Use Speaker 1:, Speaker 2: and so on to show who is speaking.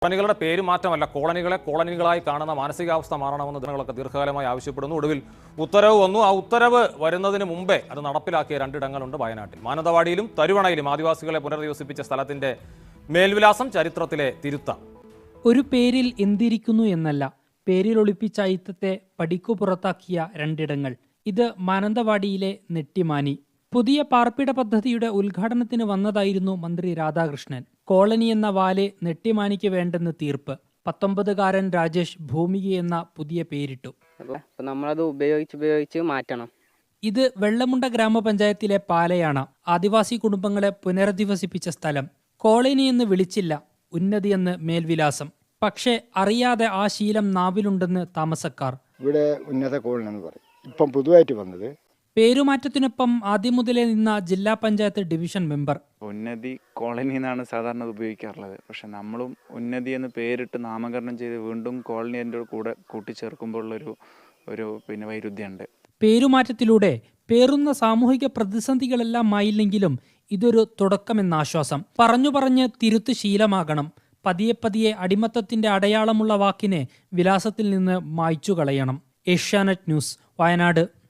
Speaker 1: കോളനികളുടെ പേര് മാറ്റമല്ല, കോളനികളെ കോളനികളായി കാണുന്ന മാനസികാവസ്ഥ മാറണമെന്ന് ജനങ്ങളൊക്കെ ദീർഘകാലമായി ആവശ്യപ്പെടുന്നു. ഒടുവിൽ ഉത്തരവ് വന്നു. ആ ഉത്തരവ് വരുന്നതിന് മുമ്പേ അത് നടപ്പിലാക്കിയ രണ്ടിടങ്ങളുണ്ട് വയനാട്ടിൽ. മാനന്തവാടിയിലും തരുവണയിലും ആദിവാസികളെ പുനരധിവസിപ്പിച്ച സ്ഥലത്തിന്റെ മേൽവിലാസം ചരിത്രത്തിലെ തിരുത്ത.
Speaker 2: ഒരു പേരിൽ എന്തിരിക്കുന്നു എന്നല്ല, പേരിൽ ഒളിപ്പിച്ച അയിത്തത്തെ പടിക്കു പുറത്താക്കിയ രണ്ടിടങ്ങൾ. ഇത് മാനന്തവാടിയിലെ നെട്ടിമാനി. പുതിയ പാർപ്പിട പദ്ധതിയുടെ ഉദ്ഘാടനത്തിന് വന്നതായിരുന്നു മന്ത്രി രാധാകൃഷ്ണൻ. കോളനി എന്ന വാല് നെട്ടിമാനിക്ക് വേണ്ടെന്ന് തീർപ്പ്. 19-കാരൻ രാജേഷ് ഭൂമിക എന്ന പുതിയ പേരിട്ടു.
Speaker 3: നമ്മളത് ഉപയോഗിച്ച് മാറ്റണം.
Speaker 2: ഇത് വെള്ളമുണ്ട ഗ്രാമപഞ്ചായത്തിലെ പാലയാണ്. ആദിവാസി കുടുംബങ്ങളെ പുനരധിവസിപ്പിച്ച സ്ഥലം. കോളനി എന്ന് വിളിച്ചില്ല, ഉന്നതിയെന്ന് മേൽവിലാസം. പക്ഷേ അറിയാതെ ആ ശീലം നാവിലുണ്ടെന്ന് താമസക്കാർ.
Speaker 4: ഇവിടെ ഉന്നത കോളനി എന്ന് പറയും. ഇപ്പം പുതുതായിട്ട് വന്നത്.
Speaker 2: പേരുമാറ്റത്തിനൊപ്പം ആദ്യം മുതലേ നിന്ന ജില്ലാ panchayat division member.
Speaker 5: Unnathi colony എന്നാണ് സാധാരണ ഉപയോഗിക്കാറുള്ളത്. പക്ഷെ നമ്മളും ഉന്നതി എന്ന് പേരിട്ട് നാമകരണം ചെയ്ത് വീണ്ടും കോളനി എൻ്റെ കൂടെ കൂട്ടിച്ചേർക്കുമ്പോൾ ഒരു വൈരുദ്ധ്യമുണ്ട്.
Speaker 2: പേരുമാറ്റത്തിലൂടെ പേറുന്ന സാമൂഹിക പ്രതിസന്ധികളെല്ലാം ആയില്ലെങ്കിലും ഇതൊരു തുടക്കമെന്നാശ്വാസം. പറഞ്ഞു തിരുത്ത് ശീലമാകണം. പതിയെ അടിമത്തത്തിന്റെ അടയാളമുള്ള വാക്കിനെ വിലാസത്തിൽ നിന്ന് മായ്ച്ചു കളയണം. ഏഷ്യാനെറ്റ് ന്യൂസ്, വയനാട്.